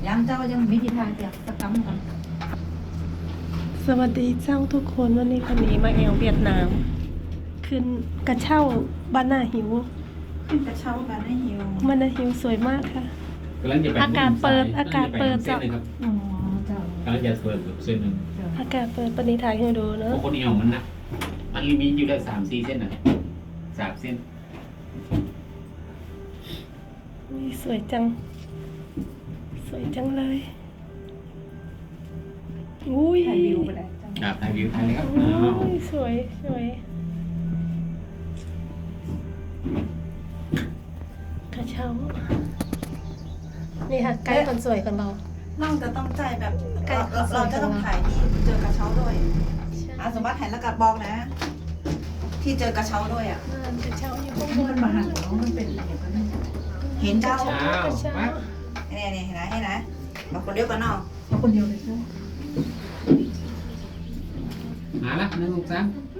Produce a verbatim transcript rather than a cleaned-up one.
ย้ำเจ้ายังมีทิศทางจากตะกำกันสวัสดีเจ้าทุกคนวันนี้คนนี้มาแอวเวียดนาม ขึ้นกระเช่าบ้านนาหิวขึ้นกระเช้ากันให้หิวบ้านนาหิวสวยมากค่ะกำลังจะไปอากาศเปิดอากาศเปิดเส้นหนึ่งครับอ๋อเจ้ากำลังจะเปิดแบบเส้นหนึ่งเจ้าอากาศเปิดปณิธายให้ดูเนเพอะราะคนเอวมันนะมันมีอยู่ได้สามสี่เส้นนะสามเส้นอุ๊ยสวยจัง สวยจังเลยอุ้ยถ่ายวิวไปเลยเจ้าครับถ่ายวิวถ่ายเลยครับอุ้อ้าวยสวยสวยกระเช้านี่ค่ะไกด์คนสวยคนเบาเราจะต้องใจแบบใกล้เราขอสเราวยจะต้องของเราถ่ายที่เจอกระเช้าด้วยอาสมบัติถ่ายแล้วกัดบอกนะ ที่เจอกระเช้าด้วยอ่ะอ่ากระเช้าอยู่ข้างบมัน นมาหันเนาะมันเป็นอะไรกันนะเห็นเจ้าอ้าวมาเนี่ยเนี่ยเห็นไหมเห็นไหมเราคนเดียวกันเนาะเราคนเดียวเลยใช่ไหมมาละหนึ่งสองสาม